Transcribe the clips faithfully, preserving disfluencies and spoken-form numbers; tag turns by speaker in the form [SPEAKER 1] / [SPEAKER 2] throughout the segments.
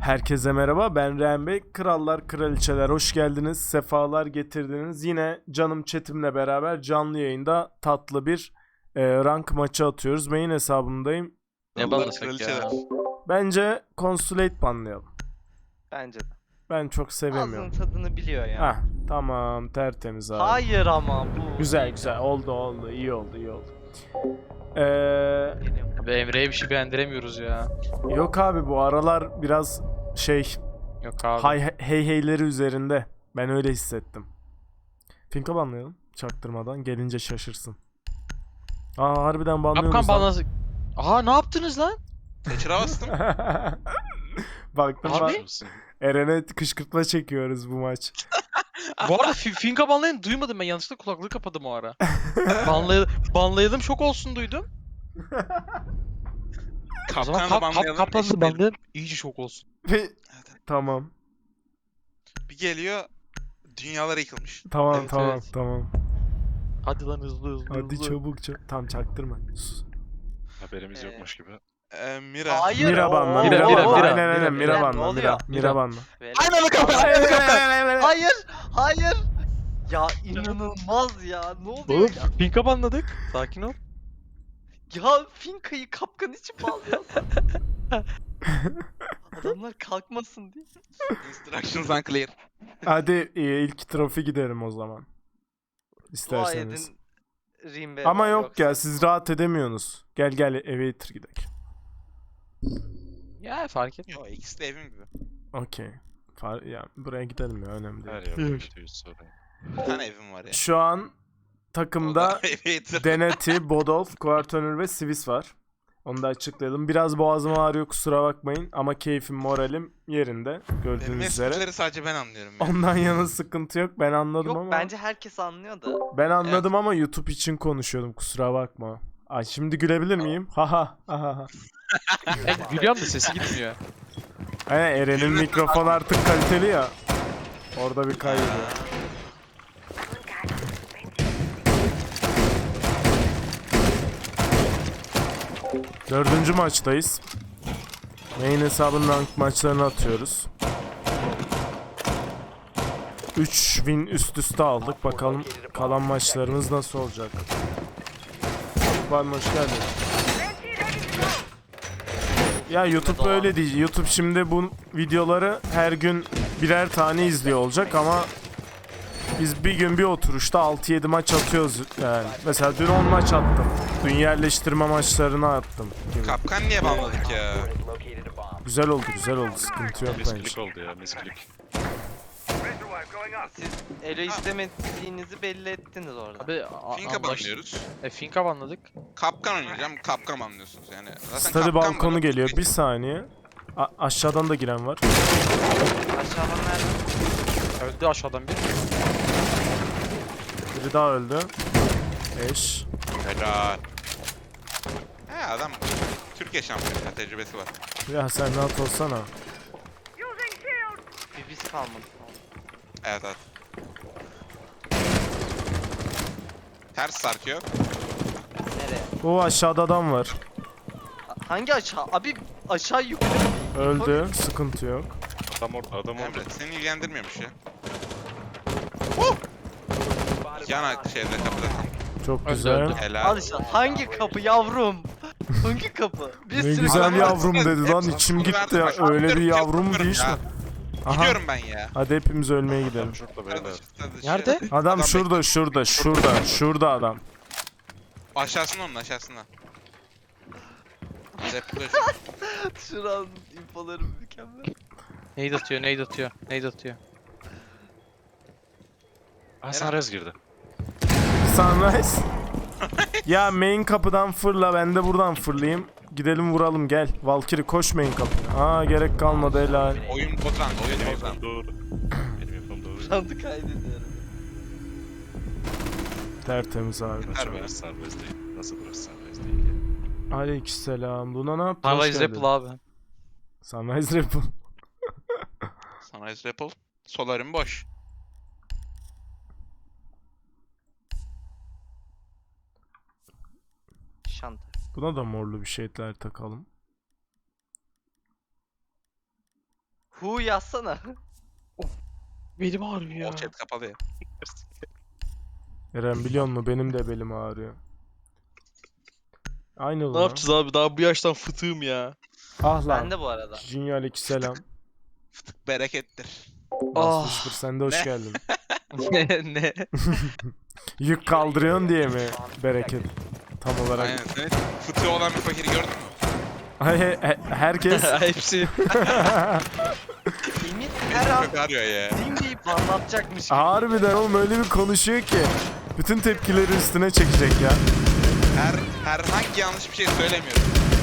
[SPEAKER 1] Herkese merhaba, ben Rehan Bey. Krallar, kraliçeler hoş geldiniz, sefalar getirdiniz. Yine canım chatimle beraber canlı yayında tatlı bir e, rank maçı atıyoruz. Main hesabımdayım.
[SPEAKER 2] Ne banlasak ya?
[SPEAKER 1] Bence Consulate banlayalım.
[SPEAKER 3] Bence de.
[SPEAKER 1] Ben çok sevemiyorum.
[SPEAKER 3] Ağzının tadını biliyor ya.
[SPEAKER 1] Hah, tamam, tertemiz abi.
[SPEAKER 3] Hayır ama bu.
[SPEAKER 1] Güzel güzel, oldu oldu, iyi oldu iyi oldu. Ee,
[SPEAKER 3] Geliyorum.
[SPEAKER 2] Abi Emre'ye bir şey beğendiremiyoruz ya.
[SPEAKER 1] yok abi, bu aralar biraz şey...
[SPEAKER 2] Yok abi.
[SPEAKER 1] Hay hey heyleri üzerinde. Ben öyle hissettim. Finka banlayalım. Çaktırmadan. Gelince şaşırsın. Aa, harbiden banlıyorsunuz
[SPEAKER 2] Kapkan
[SPEAKER 1] lan.
[SPEAKER 2] banlasak. Aha ne yaptınız lan?
[SPEAKER 4] Kaçıra bastım.
[SPEAKER 1] Baktım
[SPEAKER 2] Abi?
[SPEAKER 1] ben. Eren'e kışkırtma çekiyoruz bu maç.
[SPEAKER 2] Bu arada fi- Finka banlayın duymadım ben, yanlışlıkla kulaklığı kapadım o ara. Banlay banlayalım şok olsun duydum. O zaman
[SPEAKER 4] Kapkanı
[SPEAKER 2] kap,
[SPEAKER 4] da
[SPEAKER 2] kap,
[SPEAKER 4] banlayalım.
[SPEAKER 2] kaplanı
[SPEAKER 4] eşitleyelim.
[SPEAKER 2] banlayalım iyice şok olsun.
[SPEAKER 1] Tamam.
[SPEAKER 4] Bir geliyor. Dünyalar yıkılmış.
[SPEAKER 1] Tamam
[SPEAKER 2] Evet,
[SPEAKER 1] tamam
[SPEAKER 2] evet.
[SPEAKER 1] tamam.
[SPEAKER 2] Hadi lan hızlı hızlı
[SPEAKER 1] Hadi
[SPEAKER 2] hızlı.
[SPEAKER 1] çabuk çabuk. Tam çaktırma. Sus.
[SPEAKER 5] Haberimiz
[SPEAKER 3] Ee,
[SPEAKER 5] yokmuş gibi.
[SPEAKER 4] Ee, Mira.
[SPEAKER 3] Hayır.
[SPEAKER 1] Mira
[SPEAKER 3] o-
[SPEAKER 1] banla.
[SPEAKER 3] o-
[SPEAKER 1] Mira
[SPEAKER 2] Mira,
[SPEAKER 1] banla.
[SPEAKER 2] Mira,
[SPEAKER 1] Aynen aynen.
[SPEAKER 2] Mira,
[SPEAKER 1] Mira
[SPEAKER 3] ne
[SPEAKER 1] banla.
[SPEAKER 3] oluyor?
[SPEAKER 1] Mira. Mira
[SPEAKER 2] Mira.
[SPEAKER 1] banla.
[SPEAKER 3] Böyle-
[SPEAKER 4] Aynen kapkan. Aynen kapkan.
[SPEAKER 3] Hayır. Hayır. Ya inanılmaz ya. Ne oluyor
[SPEAKER 2] Oğlum
[SPEAKER 3] ya?
[SPEAKER 2] Finka banladık. Sakin ol.
[SPEAKER 3] Ya Finka'yı kapkan için bağlıyorsun. Adamlar kalkmasın diye.
[SPEAKER 4] Instructions unclear.
[SPEAKER 1] Hadi e, ilk trofi giderim o zaman.
[SPEAKER 3] Dua
[SPEAKER 1] İsterseniz.
[SPEAKER 3] edin. Rimbe
[SPEAKER 1] Ama
[SPEAKER 3] var,
[SPEAKER 1] yok
[SPEAKER 3] yoksa-
[SPEAKER 1] ya, siz rahat edemiyorsunuz. Gel gel Evator gidelim.
[SPEAKER 2] Ya fark et.
[SPEAKER 4] Yo ikisi de evim gibi.
[SPEAKER 1] Okey. Far ya buraya gidelim ya, önemli
[SPEAKER 5] Her
[SPEAKER 1] değil.
[SPEAKER 5] yerde kötüyüz sonra.
[SPEAKER 4] Bir tane evim var ya.
[SPEAKER 1] Şu an
[SPEAKER 4] O da
[SPEAKER 1] takımda
[SPEAKER 4] Elevator.
[SPEAKER 1] Deneti, Bodolf, Quartönür ve Swiss var. Onu da açıklayalım. Biraz boğazım ağrıyor, kusura bakmayın ama keyfim, moralim yerinde
[SPEAKER 4] Benim
[SPEAKER 1] gördüğünüz üzere.
[SPEAKER 4] esprileri sadece ben anlıyorum ya.
[SPEAKER 1] Ondan yana sıkıntı yok. Ben anladım
[SPEAKER 3] Yok
[SPEAKER 1] ama.
[SPEAKER 3] bence herkes anlıyor da.
[SPEAKER 1] Ben anladım ama YouTube için konuşuyordum, kusura bakma. Ay şimdi gülebilir miyim? Haha. Haha.
[SPEAKER 2] Evet, gülüyorum da sesi gitmiyor.
[SPEAKER 1] He, Eren'in mikrofon artık kaliteli ya. Orada bir kaybediyor. Dördüncü maçtayız. Main hesabının rank maçlarını atıyoruz. üç win üst üste aldık. Bakalım kalan maçlarımız nasıl olacak. Var hoş geldin. Ya YouTube öyle değil. YouTube şimdi bu videoları her gün birer tane izliyor olacak ama biz bir gün bir oturuşta altı yedi maç atıyoruz yani. Mesela dün on maç attım. Dün yerleştirme maçlarını attım gibi.
[SPEAKER 4] Kapkan niye banladık ya?
[SPEAKER 1] Güzel oldu, güzel oldu. Sıkıntı yok
[SPEAKER 5] Misklik
[SPEAKER 1] bence.
[SPEAKER 5] oldu ya, misklik.
[SPEAKER 3] Siz ele istemediğinizi belli ettiniz orada.
[SPEAKER 2] Abi a-
[SPEAKER 4] Finka
[SPEAKER 2] anlaş-
[SPEAKER 4] banlıyoruz.
[SPEAKER 2] E Finka banladık.
[SPEAKER 4] Kapkan oynayacağım. Kapkan banlıyorsunuz yani. Zaten
[SPEAKER 1] Study
[SPEAKER 4] kapkan
[SPEAKER 1] balkonu
[SPEAKER 4] bana-
[SPEAKER 1] geliyor. Bir saniye. A- aşağıdan da giren var.
[SPEAKER 3] Aşağıdan nerede?
[SPEAKER 2] Öldü aşağıdan bir.
[SPEAKER 1] Biri daha öldü. Eş.
[SPEAKER 4] Helal. He adam Türkiye şampiyonu ya, tecrübesi var.
[SPEAKER 1] Ya sen rahat olsana.
[SPEAKER 3] Bir biz kalmadı.
[SPEAKER 4] Evet evet. Ters sarkıyor.
[SPEAKER 3] Nereye?
[SPEAKER 1] O aşağıda adam var.
[SPEAKER 3] Hangi aşağı? Abi aşağı yukarı.
[SPEAKER 1] Öldü. Sıkıntı yok.
[SPEAKER 5] Adam orada, adam orada.
[SPEAKER 4] Emre seni ilgilendirmiyormuş ya. Huh! Yana şeyde kapıda tam.
[SPEAKER 1] Çok
[SPEAKER 2] Öldü,
[SPEAKER 1] güzel.
[SPEAKER 2] öldü.
[SPEAKER 4] Helal.
[SPEAKER 3] Al işte hangi kapı yavrum? Hangi kapı? Bir
[SPEAKER 1] Ne
[SPEAKER 3] sürü
[SPEAKER 1] güzel
[SPEAKER 3] kapı.
[SPEAKER 1] yavrum dedi lan,
[SPEAKER 4] Hepsi-
[SPEAKER 1] içim
[SPEAKER 4] hepsi-
[SPEAKER 1] gitti ya.
[SPEAKER 4] Bak,
[SPEAKER 1] Öyle bir
[SPEAKER 4] gidiyorum,
[SPEAKER 1] yavrum
[SPEAKER 4] gidiyorum
[SPEAKER 1] değil
[SPEAKER 4] ya.
[SPEAKER 1] mi? Aha.
[SPEAKER 4] Gidiyorum ben ya.
[SPEAKER 1] Hadi hepimiz ölmeye gidelim.
[SPEAKER 5] Adam şurada beyler.
[SPEAKER 4] Kardeş, kardeş,
[SPEAKER 2] Nerede?
[SPEAKER 4] şey-
[SPEAKER 1] Adam şurada, şurada, şurada, şurada adam.
[SPEAKER 4] Aşağısında onun aşağısında. Zepler.
[SPEAKER 3] Şuranın infoları mükemmel.
[SPEAKER 2] Nade atıyor, nade atıyor, nade atıyor.
[SPEAKER 5] Aa Sunrise girdi.
[SPEAKER 1] Sunrise. Ya main kapıdan fırla, ben de buradan fırlayayım. Gidelim vuralım, gel. Valkyrie koş main kapıya. Aa, gerek kalmadı, helal.
[SPEAKER 4] Oyun bozan, oyun
[SPEAKER 5] Benim
[SPEAKER 4] bozan.
[SPEAKER 5] infom doğru. Benim infom doğru.
[SPEAKER 3] Randı kaydediyorum.
[SPEAKER 1] Tertemiz abi.
[SPEAKER 4] Yeter be.
[SPEAKER 5] Burası serbest değil. Nasıl burası serbest değil ya?
[SPEAKER 1] Aleykümselam. Buna ne yaptın? Hoş
[SPEAKER 2] Sunrise
[SPEAKER 1] geldin.
[SPEAKER 2] Ripple abi.
[SPEAKER 1] Sunrise Ripple.
[SPEAKER 4] Sunrise Ripple. Solarim boş.
[SPEAKER 3] Şanta.
[SPEAKER 1] Buna da morlu bir şeyler takalım.
[SPEAKER 3] Hu yazsana.
[SPEAKER 2] Belim ağrıyor ya.
[SPEAKER 4] O chat kapalı ya.
[SPEAKER 1] Eren biliyor musun benim de belim ağrıyor. Aynı
[SPEAKER 2] Ne
[SPEAKER 1] oldu lan.
[SPEAKER 2] yapacağız abi? Daha bu yaştan fıtığım ya.
[SPEAKER 1] Ah lan.
[SPEAKER 3] Ben de bu arada.
[SPEAKER 1] Junior aleykümselam.
[SPEAKER 4] Berekettir.
[SPEAKER 2] Ah.
[SPEAKER 1] Aslı sen de hoş
[SPEAKER 4] Ne?
[SPEAKER 1] geldin.
[SPEAKER 2] ne ne?
[SPEAKER 1] Yük kaldırıyorsun diye mi bereket? Tam olarak.
[SPEAKER 4] Aynen. Senin fıtığı olan bir fakiri gördün mü?
[SPEAKER 1] Ay, he- he- herkes
[SPEAKER 2] Hepsi.
[SPEAKER 3] Emir her an
[SPEAKER 4] Kötü arıyor ya.
[SPEAKER 3] din deyip anlatacakmış gibi.
[SPEAKER 1] harbiden oğlum öyle bir konuşuyor ki. Bütün tepkileri üstüne çekecek ya.
[SPEAKER 4] Her herhangi yanlış bir şey söylemiyorum.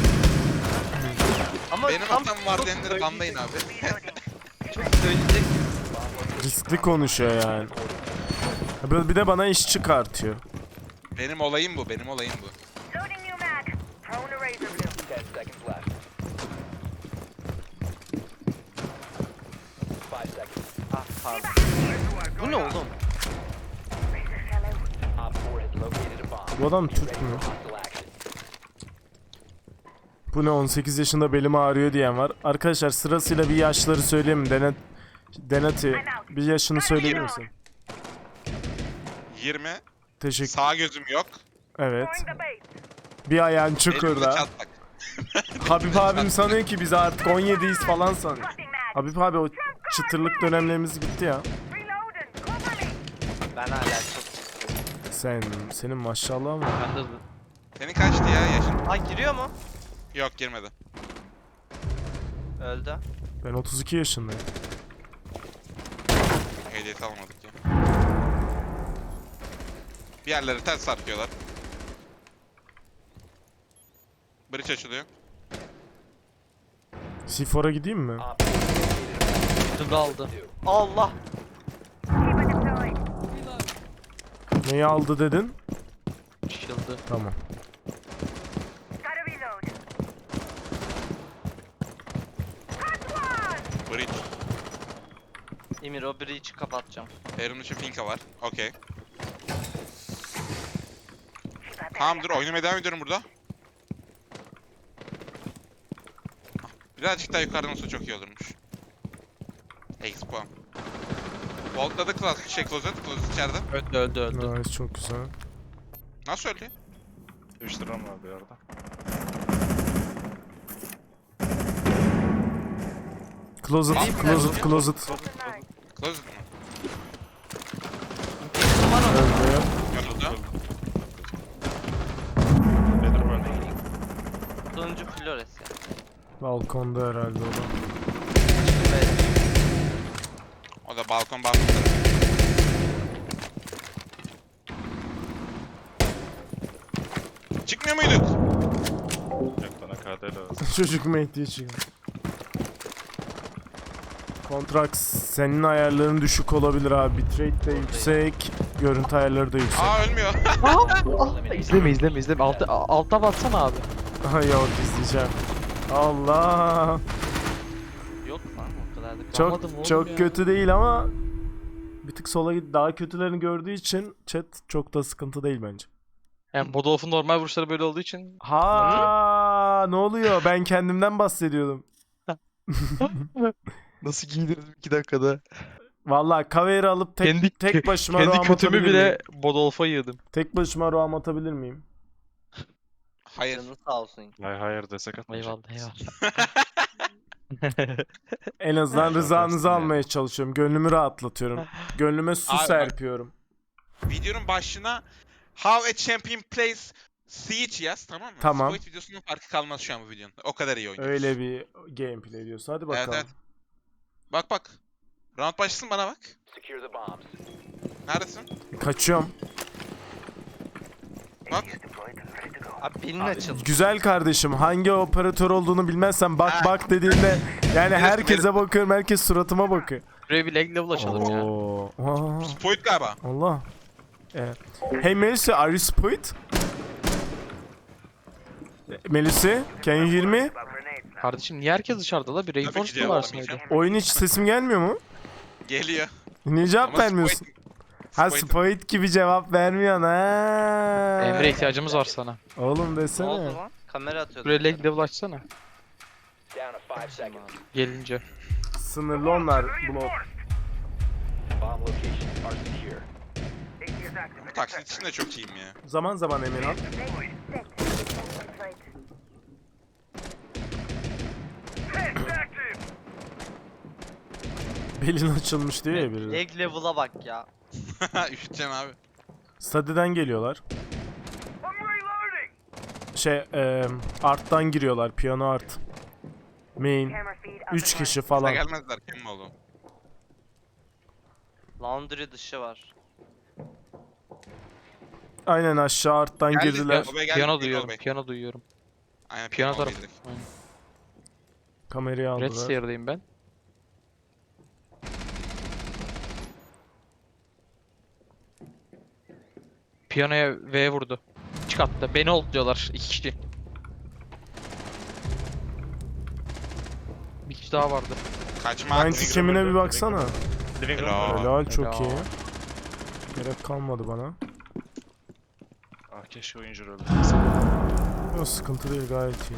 [SPEAKER 3] Ama
[SPEAKER 4] Benim
[SPEAKER 3] tam
[SPEAKER 4] hatam var
[SPEAKER 3] çok
[SPEAKER 4] diyenleri
[SPEAKER 3] söyleyecek-
[SPEAKER 4] banlayın abi.
[SPEAKER 3] Çok söyleyecek.
[SPEAKER 1] Riskli konuşuyor yani. Böyle bir de bana iş çıkartıyor.
[SPEAKER 4] Benim olayım bu, benim olayım bu.
[SPEAKER 6] Loading new mag. Throwing a razor blue.
[SPEAKER 7] Ten seconds left. Five seconds.
[SPEAKER 3] Ah pardon. Bu ne oğlum?
[SPEAKER 6] Razor fellow.
[SPEAKER 7] Op four has located a bomb.
[SPEAKER 1] Bu adam Türk
[SPEAKER 7] Ready
[SPEAKER 1] mü?
[SPEAKER 7] for hostile action.
[SPEAKER 1] Bu ne on sekiz yaşında belim ağrıyor diyen var. Arkadaşlar sırasıyla bir yaşları söyleyeyim mi? Denet Denati bir yaşını söyleyebilir misin?
[SPEAKER 4] yirmi.
[SPEAKER 1] Teşekkür.
[SPEAKER 4] Sağ gözüm yok.
[SPEAKER 1] Evet.
[SPEAKER 6] Throwing the bait.
[SPEAKER 1] Bir ayağın
[SPEAKER 4] Elimde
[SPEAKER 1] çukurda.
[SPEAKER 4] çatlak.
[SPEAKER 1] Habib abim sanıyor ki biz artık on yediyiz falan sanıyor.
[SPEAKER 6] Tossing mag.
[SPEAKER 1] Habib abi o çıtırlık dönemlerimiz bitti ya.
[SPEAKER 6] Reloading. Cover me.
[SPEAKER 3] Ben hala çok...
[SPEAKER 1] Sen, senin maşallah mı?
[SPEAKER 2] Ben de
[SPEAKER 4] Senin kaçtı ya yaşın?
[SPEAKER 3] Ha giriyor mu?
[SPEAKER 4] Yok girmedi.
[SPEAKER 3] Öldü.
[SPEAKER 1] Ben otuz iki yaşındayım.
[SPEAKER 4] Ehliyeti almadık ya. Bir yerleri ters sarkıyorlar. Bridge açılıyor.
[SPEAKER 1] C four'a gideyim mi?
[SPEAKER 7] Op four located
[SPEAKER 2] üstümde aldı.
[SPEAKER 3] Allah.
[SPEAKER 6] Keep it deployed.
[SPEAKER 1] Neyi aldı dedin?
[SPEAKER 2] Shield'ı.
[SPEAKER 1] Tamam.
[SPEAKER 6] Gotta reload. Cut one.
[SPEAKER 4] Bridge.
[SPEAKER 3] Emir o breach'i kapatacağım.
[SPEAKER 4] Erun için Finka var. Okey.
[SPEAKER 6] Keep up
[SPEAKER 4] Tamam dur oynamaya devam ediyorum burada. Ah, birazcık daha yukarıdan olsa çok iyi olurmuş. X puan. Voltladı Closet, şey Closet, Closet içeride.
[SPEAKER 2] Öldü öldü öldü.
[SPEAKER 1] Nice, çok güzel.
[SPEAKER 4] Nasıl öldü?
[SPEAKER 5] Üç liram var bir arada.
[SPEAKER 1] Closet, closet, closet.
[SPEAKER 6] tonight.
[SPEAKER 4] Closet mı?
[SPEAKER 1] Öldü.
[SPEAKER 4] Yanıldı.
[SPEAKER 5] Nedir ben de?
[SPEAKER 3] Sonuncu Flores ya.
[SPEAKER 1] Balkonda herhalde o da.
[SPEAKER 4] O da balkon bastı. Çıkmıyor muyduk?
[SPEAKER 5] Yok bana K D lazım.
[SPEAKER 1] Çocuk Mehdi'ye çıkıyor. Kontraks senin ayarların düşük olabilir abi. Bitrate de yüksek, görüntü ayarları da yüksek.
[SPEAKER 4] Aa ölmüyor.
[SPEAKER 2] İzleme izleme izleme. Alta, alta batsana abi.
[SPEAKER 1] Aha yok izleyeceğim. Allah.
[SPEAKER 3] Yok lan o kadar da.
[SPEAKER 1] Çok
[SPEAKER 2] Anladım oğlum
[SPEAKER 1] çok
[SPEAKER 2] ya.
[SPEAKER 1] kötü değil ama bir tık sola git daha kötülerini gördüğü için chat çok da sıkıntı değil bence.
[SPEAKER 2] Yani Bodolf'un normal vuruşları böyle olduğu için
[SPEAKER 1] Ha ne oluyor? Ben kendimden bahsediyordum.
[SPEAKER 2] nasıl giydirdim iki dakikada.
[SPEAKER 1] Vallahi cover alıp tek
[SPEAKER 2] Kendi-
[SPEAKER 1] tek başıma
[SPEAKER 2] Kendi
[SPEAKER 1] roam
[SPEAKER 2] kötümü
[SPEAKER 1] atabilir
[SPEAKER 2] bile
[SPEAKER 1] miyim?
[SPEAKER 2] Bodolf'a yığdım.
[SPEAKER 1] Tek başıma roam atabilir miyim?
[SPEAKER 4] Hayır.
[SPEAKER 3] Canın sağ olsun.
[SPEAKER 5] Hayır hayır desek atmayacak.
[SPEAKER 2] Eyvallah eyvallah.
[SPEAKER 1] En azından
[SPEAKER 5] Aynen,
[SPEAKER 1] rızanızı
[SPEAKER 5] dersin
[SPEAKER 1] almaya çalışıyorum. Gönlümü rahatlatıyorum. Gönlüme su
[SPEAKER 4] Abi bak-
[SPEAKER 1] serpiyorum.
[SPEAKER 4] Videonun başına How a Champion Plays Siege yaz, tamam mı?
[SPEAKER 1] Tamam.
[SPEAKER 4] Spoit videosunun farkı kalmaz şu an bu videonun. O kadar iyi oynuyoruz.
[SPEAKER 1] Öyle bir gameplay diyorsun. Hadi bakalım.
[SPEAKER 4] Evet, evet. Bak bak. Round başlasın bana bak.
[SPEAKER 7] Secure the bombs.
[SPEAKER 4] Neredesin?
[SPEAKER 1] Kaçıyorum.
[SPEAKER 4] Bak.
[SPEAKER 3] Abi belin açıldı.
[SPEAKER 1] Güzel kardeşim hangi operatör olduğunu bilmezsen bak
[SPEAKER 4] Ha.
[SPEAKER 1] bak dediğinde yani
[SPEAKER 4] Neresi,
[SPEAKER 1] herkese bakıyorum, herkes suratıma bakıyor.
[SPEAKER 2] Buraya bir leg level açalım ya.
[SPEAKER 1] Oo. Aa,
[SPEAKER 4] Spoit galiba.
[SPEAKER 1] Allah. Evet. Hey Melissa, are you spoiled? Melissa, can you hear me?
[SPEAKER 2] Kardeşim niye herkes dışarıda la? Bir
[SPEAKER 4] Tabii ki
[SPEAKER 2] reinforce
[SPEAKER 4] cevap
[SPEAKER 2] varsaydı.
[SPEAKER 4] alamayacağım.
[SPEAKER 1] Oyun hiç sesim gelmiyor mu?
[SPEAKER 4] Geliyor.
[SPEAKER 1] Niye cevap
[SPEAKER 4] Ama
[SPEAKER 1] vermiyorsun?
[SPEAKER 4] Spoit-
[SPEAKER 1] Ha
[SPEAKER 4] Spoit-
[SPEAKER 1] spoiled gibi cevap vermiyorsun ha.
[SPEAKER 2] Emre ihtiyacımız var sana.
[SPEAKER 1] Oğlum
[SPEAKER 3] Ne
[SPEAKER 1] desene.
[SPEAKER 3] oldu lan? Kamera atıyordu.
[SPEAKER 2] Buraya leg level açsana.
[SPEAKER 7] Down to five seconds.
[SPEAKER 2] Gelince.
[SPEAKER 1] Sınırlı onlar. Blok.
[SPEAKER 7] Bomb locations are secure.
[SPEAKER 6] A T is active.
[SPEAKER 4] Bu taksit için de çok iyiyim ya.
[SPEAKER 1] Zaman zaman Emirhan.
[SPEAKER 6] Set. Sight.
[SPEAKER 1] Belin açılmış diyor ya biri.
[SPEAKER 3] Leg level'a bak ya.
[SPEAKER 4] Üşüteceğim abi.
[SPEAKER 1] Stadyeden geliyorlar. Şey, e, art'tan giriyorlar. Piyano art. Main.
[SPEAKER 6] Camera feed up
[SPEAKER 1] üç
[SPEAKER 6] and
[SPEAKER 1] kişi
[SPEAKER 6] running.
[SPEAKER 4] Bana
[SPEAKER 1] falan.
[SPEAKER 4] gelmezler kim oğlum?
[SPEAKER 3] Laundry dışı var.
[SPEAKER 1] Aynen aşağı art'tan
[SPEAKER 4] Geldik
[SPEAKER 1] girdiler.
[SPEAKER 4] ya, obaya geldik,
[SPEAKER 2] Piyano
[SPEAKER 4] Piyano
[SPEAKER 2] duyuyorum.
[SPEAKER 4] obaya.
[SPEAKER 2] Piyano duyuyorum.
[SPEAKER 4] Aynen
[SPEAKER 2] Piyano
[SPEAKER 4] piyano
[SPEAKER 2] tarafı.
[SPEAKER 4] obaya.
[SPEAKER 2] Aynen.
[SPEAKER 1] Kamerayı
[SPEAKER 2] Red
[SPEAKER 1] aldılar.
[SPEAKER 2] Stair'dayım ben. Piyanoya V vurdu. Çıkarttı. Beni oldu diyorlar. İki kişi. Bir kişi daha vardı.
[SPEAKER 4] Kaçma
[SPEAKER 1] Aynı
[SPEAKER 4] hakkı.
[SPEAKER 1] kemine bir baksana.
[SPEAKER 5] Living room.
[SPEAKER 4] Helal.
[SPEAKER 1] Helal çok
[SPEAKER 2] Helal.
[SPEAKER 1] iyi. Gerek kalmadı bana.
[SPEAKER 5] Ah keşke oyuncu rolü.
[SPEAKER 1] Yok sıkıntı değil gayet iyi.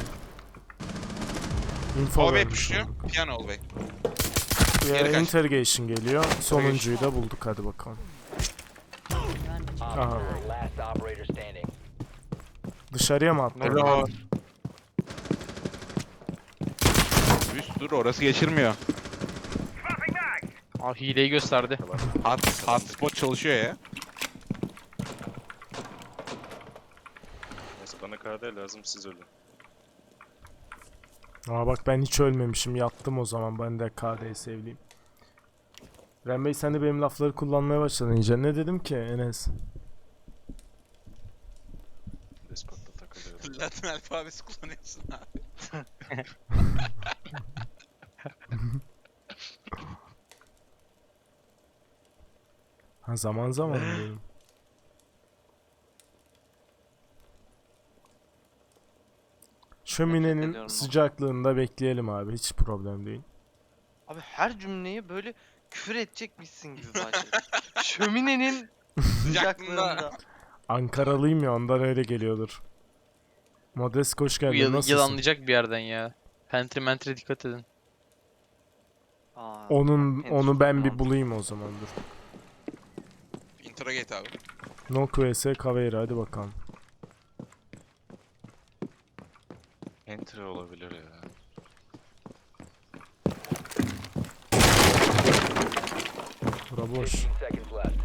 [SPEAKER 1] Info
[SPEAKER 4] Obaya
[SPEAKER 1] vermiş
[SPEAKER 4] puşluyor.
[SPEAKER 1] olduk.
[SPEAKER 4] Piyano obaya.
[SPEAKER 1] Ya,
[SPEAKER 4] Geri kaç.
[SPEAKER 1] interrogation geliyor. Sonuncuyu da bulduk hadi bakalım.
[SPEAKER 7] Op
[SPEAKER 1] Aha.
[SPEAKER 7] four, last operator standing.
[SPEAKER 1] Dışarıya mı attı?
[SPEAKER 2] Helal.
[SPEAKER 8] Üst dur orası geçirmiyor.
[SPEAKER 2] Aa, hileyi gösterdi.
[SPEAKER 8] Hot, hotspot çalışıyor ya.
[SPEAKER 5] Neyse bana K D lazım siz ölün.
[SPEAKER 1] Aa bak ben hiç ölmemişim. Yattım o zaman. Ben de K D'yi sevleyeyim. Ren Bey sen de benim lafları kullanmaya başladın iyice. Ne dedim ki Enes?
[SPEAKER 5] Discord'da takılıyorum.
[SPEAKER 4] Latin alfabesi kullanıyorsun abi.
[SPEAKER 1] Ha zaman zaman diyorum. Şöminenin
[SPEAKER 3] ediyorum.
[SPEAKER 1] sıcaklığında bekleyelim abi. Hiç problem değil.
[SPEAKER 3] Abi her cümleyi böyle küfür edecekmişsin gibi başladı. Şöminenin sıcaklığında.
[SPEAKER 1] Ankaralıyım ya ondan öyle geliyordur. Modest hoş
[SPEAKER 2] Bu
[SPEAKER 1] geldin.
[SPEAKER 2] yıl,
[SPEAKER 1] Nasılsın?
[SPEAKER 2] yılanlayacak bir yerden ya. Pantry mentre dikkat edin.
[SPEAKER 3] Aa,
[SPEAKER 1] Onun
[SPEAKER 3] henüz
[SPEAKER 1] onu ben bir
[SPEAKER 3] mantıklı.
[SPEAKER 1] bulayım o zaman dur.
[SPEAKER 4] Interrogate abi.
[SPEAKER 1] Nok vs Caveira hadi bakalım.
[SPEAKER 5] Entry olabilir ya.
[SPEAKER 1] Bura boş.
[SPEAKER 7] fifteen seconds left.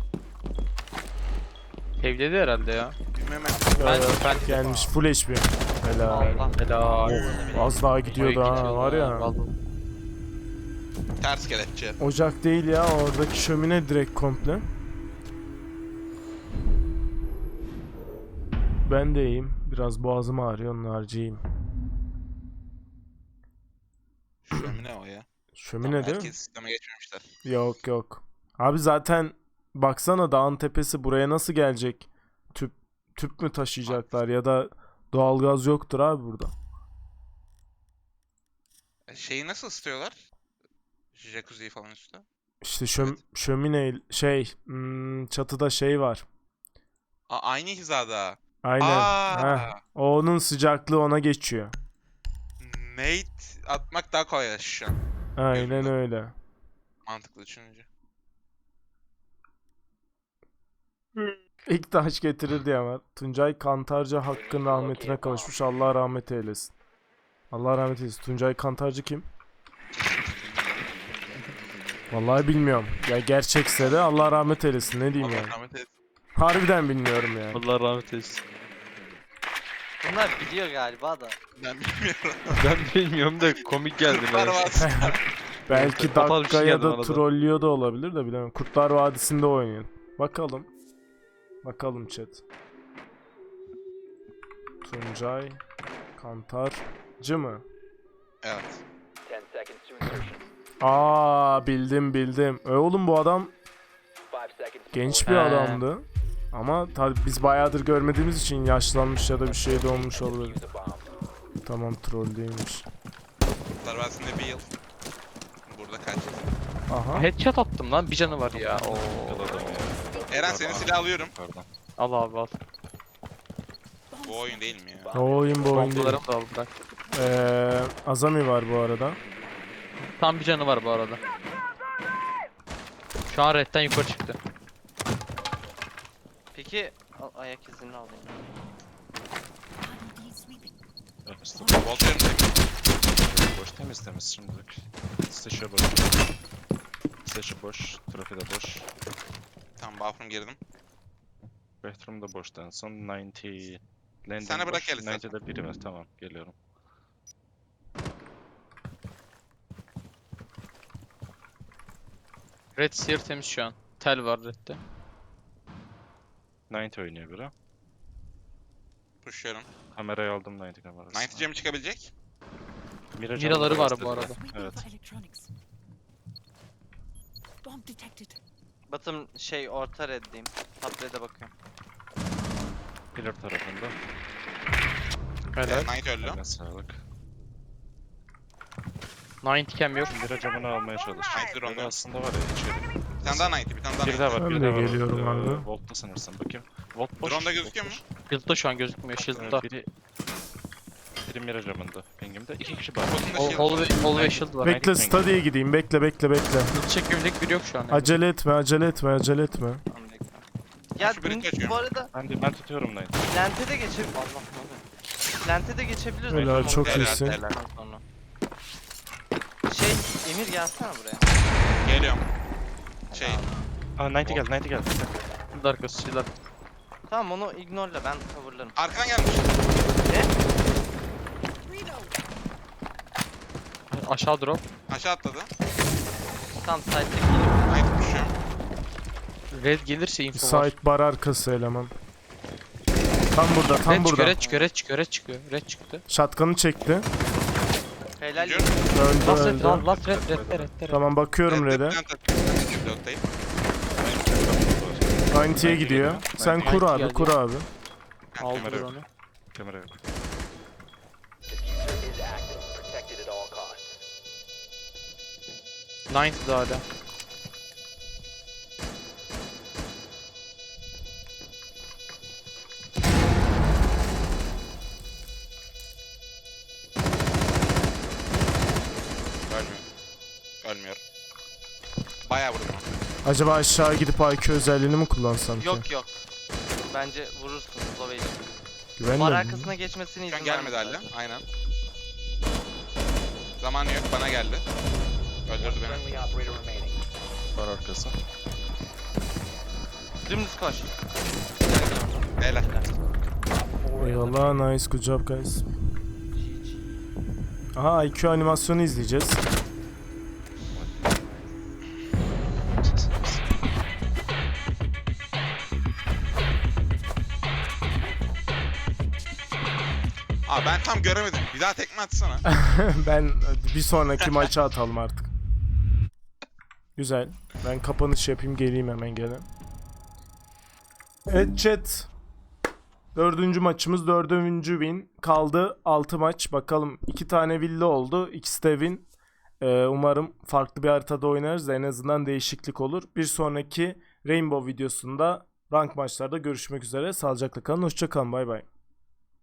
[SPEAKER 2] Evledi herhalde ya.
[SPEAKER 4] Bilmem
[SPEAKER 2] Ben, ben
[SPEAKER 1] Gelmiş full H P. Helal.
[SPEAKER 3] Allah.
[SPEAKER 2] Helal.
[SPEAKER 1] Az daha gidiyordu ha var ya.
[SPEAKER 2] Vallahi.
[SPEAKER 4] ters kelepçe.
[SPEAKER 1] Ocak değil ya oradaki şömine direkt komple. Ben de iyiyim. Biraz boğazım ağrıyor onun harcıyım.
[SPEAKER 4] Şömine o ya.
[SPEAKER 1] Şömine değil mi?
[SPEAKER 4] Herkes sisteme geçmemişler.
[SPEAKER 1] Yok yok. Abi zaten baksana dağın tepesi buraya nasıl gelecek? Tüp tüp mü taşıyacaklar ya da doğalgaz yoktur abi burada.
[SPEAKER 4] E, Şeyi nasıl ısıtıyorlar? Jacuzziyi falan üstte.
[SPEAKER 1] İşte şöm şömine şey hmm, çatıda şey var.
[SPEAKER 4] Aa, aynı hizada.
[SPEAKER 1] Aynen.
[SPEAKER 4] Aa,
[SPEAKER 1] Heh, onun sıcaklığı ona geçiyor.
[SPEAKER 4] Nate atmak daha kolay şu an.
[SPEAKER 1] Aynen
[SPEAKER 4] Gözümden.
[SPEAKER 1] öyle.
[SPEAKER 4] Mantıklı düşününce.
[SPEAKER 1] İlk taş getirirdi ama. Tuncay Kantarcı hakkın rahmetine kavuşmuş. Allah rahmet eylesin. Allah rahmet eylesin. Tuncay Kantarcı kim? Vallahi bilmiyorum. Ya gerçekse de Allah rahmet eylesin. Ne diyeyim
[SPEAKER 4] Allah
[SPEAKER 1] yani.
[SPEAKER 4] rahmet eylesin.
[SPEAKER 1] Harbiden bilmiyorum yani.
[SPEAKER 2] Allah rahmet eylesin.
[SPEAKER 3] Bunlar biliyor galiba da.
[SPEAKER 4] Ben bilmiyorum.
[SPEAKER 2] Ben bilmiyorum da komik geldi
[SPEAKER 4] Kurtlar
[SPEAKER 2] bana.
[SPEAKER 4] Vadisi.
[SPEAKER 1] Belki
[SPEAKER 2] Total bir şey
[SPEAKER 1] dakikaya
[SPEAKER 2] geldi
[SPEAKER 1] da
[SPEAKER 2] arada.
[SPEAKER 1] trollüyor da olabilir de bilemem. Kurtlar Vadisi'nde oynuyor. Bakalım. Bakalım chat. Tuncay Kantarcı mı?
[SPEAKER 4] Evet.
[SPEAKER 7] ten seconds to insertion.
[SPEAKER 1] Aa bildim bildim. E oğlum bu adam
[SPEAKER 7] five seconds to
[SPEAKER 1] genç bir
[SPEAKER 2] He.
[SPEAKER 1] adamdı. Ama tabi biz bayağıdır görmediğimiz için yaşlanmış ya da bir şey de olmuş
[SPEAKER 7] defuse
[SPEAKER 1] olabilir.
[SPEAKER 7] the bomb.
[SPEAKER 1] Tamam troll değilmiş.
[SPEAKER 4] Kurtlar Vadisi'nde bir yıl. Burada kaç yıl?
[SPEAKER 1] Aha.
[SPEAKER 2] Headshot attım lan. Bir canı var ya. Oo.
[SPEAKER 5] Yakaladım ya.
[SPEAKER 4] Eren senin silah alıyorum.
[SPEAKER 5] Pardon.
[SPEAKER 2] Al abi al.
[SPEAKER 4] Bu oyun değil mi ya?
[SPEAKER 1] O oyun bu oyun değil.
[SPEAKER 2] Bombalarımı da al bırak.
[SPEAKER 1] Ee, Azami var bu arada.
[SPEAKER 2] Tam bir canı var bu arada. Şu an redden yukarı çıktı.
[SPEAKER 3] Peki al, ayak izini alayım.
[SPEAKER 5] Temiz.
[SPEAKER 4] Volt yerim
[SPEAKER 5] Boş temiz temiz şimdilik. Stage'e boş. Stage boş. Trafi de boş.
[SPEAKER 4] Tamam bathroom girdim.
[SPEAKER 5] Bathroom da boştu en son. doksan. Landing
[SPEAKER 4] Sana bırak
[SPEAKER 5] boş.
[SPEAKER 4] gel istersen.
[SPEAKER 5] doksan'da biri var. Tamam geliyorum.
[SPEAKER 2] Red Seer temiz şu an. Tel var redde.
[SPEAKER 5] doksan oynuyor biri.
[SPEAKER 4] Pushluyorum.
[SPEAKER 5] Kamerayı aldım doksan kamerası.
[SPEAKER 4] doksan cam çıkabilecek.
[SPEAKER 5] Mira
[SPEAKER 2] Miraları
[SPEAKER 5] canlı
[SPEAKER 2] var bu
[SPEAKER 5] bastırdı.
[SPEAKER 2] arada.
[SPEAKER 5] Evet.
[SPEAKER 3] Batım şey orta reddeyim. Top red'e bakıyorum.
[SPEAKER 5] Pillar tarafında.
[SPEAKER 2] Helal.
[SPEAKER 4] doksan öldü.
[SPEAKER 5] Eline sağlık.
[SPEAKER 2] doksan cam yok.
[SPEAKER 5] Mira camını almaya çalış.
[SPEAKER 4] doksan
[SPEAKER 5] Mira
[SPEAKER 4] onda.
[SPEAKER 5] aslında var ya içeri.
[SPEAKER 4] Bir tane daha doksan, bir tane daha
[SPEAKER 5] Bir
[SPEAKER 4] doksan.
[SPEAKER 5] daha var,
[SPEAKER 1] Ben
[SPEAKER 5] bir
[SPEAKER 1] de
[SPEAKER 5] daha var.
[SPEAKER 1] geliyorum
[SPEAKER 5] Ee,
[SPEAKER 1] abi.
[SPEAKER 5] Volt'ta sanırsam. Bakayım. Volt boş.
[SPEAKER 4] Drone'da
[SPEAKER 5] Volt
[SPEAKER 4] gözüküyor mu?
[SPEAKER 5] boş.
[SPEAKER 2] Shield'da şu an gözükmüyor. Shield'da.
[SPEAKER 5] Evet, biri... Biri Mira camında. Pingimde. İki kişi var.
[SPEAKER 4] Botunda
[SPEAKER 2] Hall,
[SPEAKER 4] shield.
[SPEAKER 2] hall, ve, hall ve shield var.
[SPEAKER 1] Bekle study'ye gideyim. Bekle bekle bekle.
[SPEAKER 2] Shield çekebilecek biri yok şu an. yani.
[SPEAKER 1] Acele etme acele etme acele etme.
[SPEAKER 3] Tamam bekle. Ya
[SPEAKER 4] Şu biri
[SPEAKER 3] dün-
[SPEAKER 4] kaçıyor.
[SPEAKER 3] bu arada
[SPEAKER 5] Ben, de, ben tutuyorum doksan.
[SPEAKER 3] lente de geçebilir. Allah ne oluyor? Lente de geçebiliriz.
[SPEAKER 1] Helal,
[SPEAKER 3] Bakalım
[SPEAKER 1] çok
[SPEAKER 3] oraya
[SPEAKER 4] iyisin.
[SPEAKER 3] geldikten sonra. Şey Emir gelsene buraya.
[SPEAKER 4] Geliyorum. Şey,
[SPEAKER 5] Aa doksan gel, doksan gel.
[SPEAKER 2] Shield arkası shield arkası.
[SPEAKER 3] Tamam onu ignore'la ben coverlarım.
[SPEAKER 4] arkadan gelmiş.
[SPEAKER 2] Aşağı drop.
[SPEAKER 4] Aşağı atladı.
[SPEAKER 3] Tam side'deki.
[SPEAKER 4] doksan pushluyorum.
[SPEAKER 2] Red gelirse info var.
[SPEAKER 1] Site bar arkası eleman. Tam burada tam
[SPEAKER 2] Red çıkıyor,
[SPEAKER 1] burada.
[SPEAKER 2] red çıkıyor, red çıkıyor, red çıkıyor. Red çıktı.
[SPEAKER 1] Shotgun'ı çekti.
[SPEAKER 3] Helal.
[SPEAKER 4] Gidiyorum.
[SPEAKER 1] Öldü
[SPEAKER 2] Last red,
[SPEAKER 1] öldü.
[SPEAKER 2] last red, red, red, red, red.
[SPEAKER 1] Tamam bakıyorum
[SPEAKER 4] Evet,
[SPEAKER 1] red'e.
[SPEAKER 4] bir tane tak- Pilottayım.
[SPEAKER 1] doksan'ya gidiyor. Sen kur abi
[SPEAKER 2] geldi.
[SPEAKER 1] kur abi.
[SPEAKER 2] Aldı
[SPEAKER 5] Kamera yok.
[SPEAKER 2] onu.
[SPEAKER 5] Kamera yok.
[SPEAKER 7] Diffuser is active. Protected at all costs.
[SPEAKER 2] doksan'da hala.
[SPEAKER 4] Ölmüyor. Ölmüyor. Bayağı vurdum.
[SPEAKER 1] Acaba aşağı gidip I Q özelliğini mi kullansam ki?
[SPEAKER 3] Yok yok. Bence vurursun Slovenya. Bar
[SPEAKER 1] Güvenmiyorum.
[SPEAKER 3] arkasına geçmesini
[SPEAKER 4] Şu an
[SPEAKER 3] izin
[SPEAKER 4] gelmedi
[SPEAKER 3] vermedi
[SPEAKER 4] hala. Aynen. Zamanı yok, bana geldi. Öldürdü beni.
[SPEAKER 7] Friendly operator remaining.
[SPEAKER 5] Var arkası.
[SPEAKER 3] Dümdüz koş.
[SPEAKER 4] Helal.
[SPEAKER 1] Eyvallah nice good job guys. Aha I Q animasyonu izleyeceğiz.
[SPEAKER 4] Aa ben tam göremedim. Bir daha tekme atsana.
[SPEAKER 1] Ben bir sonraki maça atalım artık. Güzel. Ben kapanış yapayım geleyim hemen gene. Evet chat. Dördüncü maçımız dördüncü win. Kaldı altı maç. Bakalım iki tane villa oldu. İkisi de win. Ee, umarım farklı bir haritada oynarız. En azından değişiklik olur. Bir sonraki Rainbow videosunda rank maçlarda görüşmek üzere. Sağlıcakla kalın. Hoşça kalın. Bay bay.